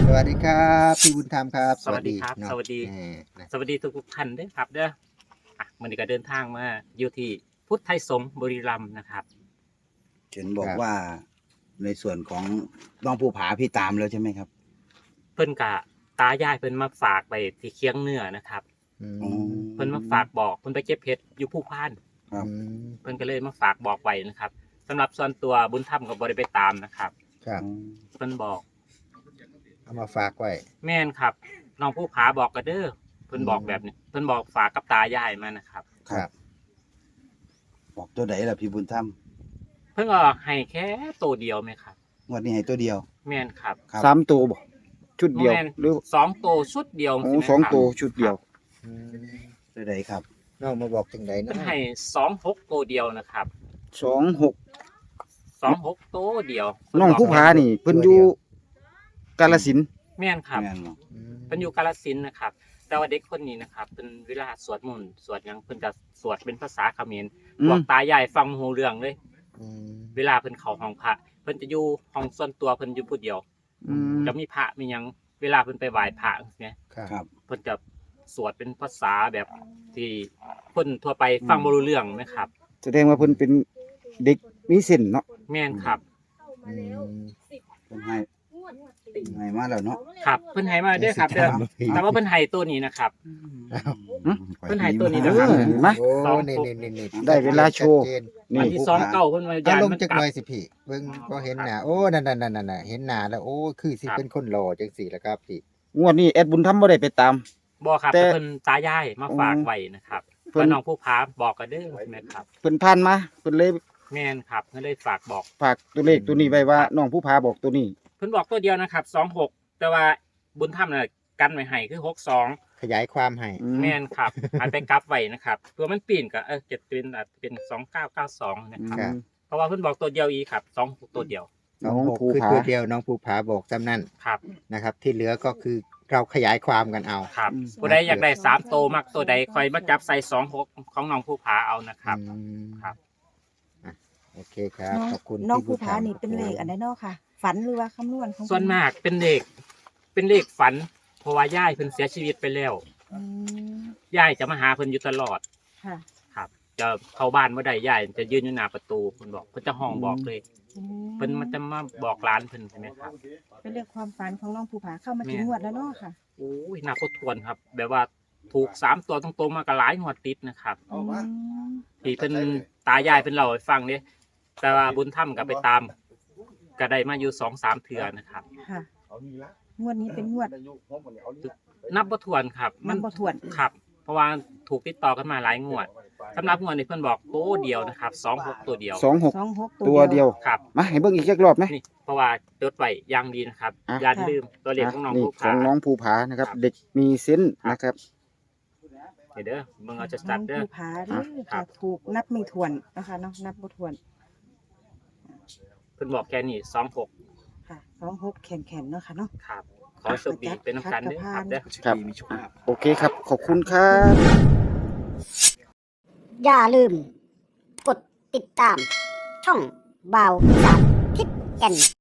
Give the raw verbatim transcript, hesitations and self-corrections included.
สวัสดีครับพี่บุญธรรมครับสวัสดีครับเนาะสวัสดีเออนะสวัสดีทุกๆท่านด้วยครับเด้ออ่ะวันนี้ก็เดินทางมาอยู่ที่พุทธไทยสงฆ์บุรีรัมย์นะครับเห็นบอครับกว่าในส่วนของน้องภูผาพี่ตามแล้วใช่ไหมครับเพิ่นกะตายายเพิ่นมาฝากไปที่เคียงเหนือนะครับอือ๋อมเพิ่นมาฝากบอกเพิ่นไปเก็บเพชรอยู่ภูพานครับอืมเพิ่นก็เลยมาฝากบอกไว้นะครับสำหรับส่วนตัวบุญธรรมก็บ่ได้ไปตามนะครับครับเพิ่นบอกเอามาฝากไว้แม่นครับน้องภูผาบอกก็เด้อเพิ่นบอกแบบนี้เพิ่นบอกฝากกับตายายมานะครับครับบอกตัวไหนล่ะพี่บุญธรรมเพิ่นก็ให้แค่ตัวเดียวไหมครับงวดนี้ให้ตัวเดียวแม่นครับครับสามตัวบ่ชุดเดียวแม่นหรือสองตัวชุดเดียวโอ้ใช่ไหมสองครับตัวชุดเดียวอืมตัวไหนครับน้องมาบอกถึงไหนเพิ่นเนาะให้สองหกตัวเดียวนะครับสองหกสองหกตัวเดียวน้องผู้ผานี่เพิ่นอยู่กาฬสินธุ์แม่นครับแม่นบ่อืมเพิ่นอยู่กาฬสินธุ์นะครับ แต่ว่าเด็กคนนี้นะครับเพิ่นเวลาสวดมนต์สวดหยังเพิ่นก็สวดเป็นภาษาเขมรอืพวมกตายายฟังบ่รู้เรื่องเลยอืมเวลาเพิ่นเข้าห้องพระเพิ่นจะอยู่ห้องส่วนตัวเพิ่นอยู่ผู้เดียวอืมจะมีพระมีหยังเวลาเพิ่นไปไหว้พระเนี่ยครับครับเพิ่นจะสวดเป็นภาษาแบบที่คนทั่วไปฟังบ่รู้เรื่องนะครับแสดงว่าเพิ่นเป็นเด็กมีเส้นเนาะแม่นครับอืมเพิ่นให้ให้มาแล้วเนาะครับเพิ่นให้มาเด้อครับเด้อแต่ว่าเพิ่นให้ตัวนี้นะครับ เพิ่นให้ตัวนี้เอนะครับอเห็นไหมโอ้สองนี่นี่นี่นี่ได้เวลาโชว์ชัดเจนนี่อันที่สองเก้าเพิ่นว่าเอายานลงมันจักกหลัน่บอยสิพี่เบิ่งก็เห็นหน้าโอ้นั่นนั่นนั่นนั่นเห็นหน้าแล้วโอ้คือสิครับเป็นคนหล่อจังสี่แหละครับพี่งวดนี้แอดบุญธรรมบ่ได้ไปตามบ่ครับแต่แต่เพิ่นตายายมาฝากไว้นะครับเพิ่นว่าน้องผู้พาบอกกันเด้อใช่ไหมครับเพิ่นผ่านมาเพิ่นเลยแม่นครับเพิ่นเลยฝากบอกฝากตัวเลขตัวนี้ไว้ว่าน้องผู้ผาบอกตัวนี้เพิ่นบอกตัวเดียวนะครับสองหกแต่ว่าบุญธรรมน่ะกันไว้ให้คือหกสองขยายความให้อืมแม่นครับอันไปกลับไว้นะครับเพื่อมันปีนก็เออจะเป็นอาจจะเป็นสองเก้าเก้าสองนะครับครับเพราะว่าเพิ่นบอกตัวเดียวอีกครับสองหกตัวเดียวน้องน้องหกภูคือผาตัวเดียวน้องภูผาบอกจำนั่นครับนะครับ ที่เหลือก็คือเราขยายความกันเอาครับอืมผู้ใดอยากได้สามตัวมักตัวใดคอยมาจับใส่สองหกของน้องผู้พาเอานะครับอืมครับอ่ะโอเคครับน้องขอบคุณน้องพี่ภูบุญธรผาร นี่เป็นเลขอันใดเนาะค่ะ ฝันหรือว่าคำนวณของส่วนมากเป็นเลขเป็นเลขฝัน เพราะว่าย่ายเพิ่นเสียชีวิตไปแล้วอืมย่ายจะมาหาเพิ่นอยู่ตลอดค่ะครับ จะเข้าบ้านเมื่อใดย่ายจะยืนอยู่หน้าประตูเพิ่นบอกเพิ่นจะห้องบอกเลยอืเพิ่นมันจะมาบอกร้านเพิ่นใช่ไหมครับเป็นเลขความฝันของน้องภูผาเข้ามาแม่ถึงงวดแล้วเนาะค่ะโอ้ยน่าทบทวนครับ แบบว่าถูกสามตัวตรงๆมาก็หลายงวดติดนะครับอืมที่เพิ่นตายายเพิ่นเล่าให้ฟังเด้แต่ว่าบุญธรรมก็ไปตามก็ได้มาอยู่สองสามเทื่อนะครับค่ะ งวดนี้เป็นงวดนับบ่ถ้วนครับมันบ่ถ้วนครับ เพราะว่าถูกติดต่อกันมาหลายงวดสำหรับงวดนี้เพิ่นบอกตัวเดียวนะครับสองหกตัวเดียวสองหกสองหกตัวเดียวครับมาให้เบิ่งอีกจักรอบไหมนี่เพราะว่าจดไว้อย่างดีนะครับอ่ะอย่าลืมตัวเลขของน้องนี่ผู้ขอขางน้องภูผานะครับครับเด็กมีเส้นส์นะครับเดี๋ยวเด้อมึงเอาจะน้จัอดงเด้อภูผาเด้อครัจะบถูกนับไม่ถ้วนนะคะเนาะนับบ่ถ้วนเพิ่นบอกแค่นี้สองหกค่ะสองหกแข็งๆเนาะค่ะเนาะครับ ขอโชคดีเป็นน้ำกันเด้อครับเด้อครับ โอเคครับ ขอบคุณครับอย่าลืม กดติดตาม ช่องบ่าวสามทิศแก่น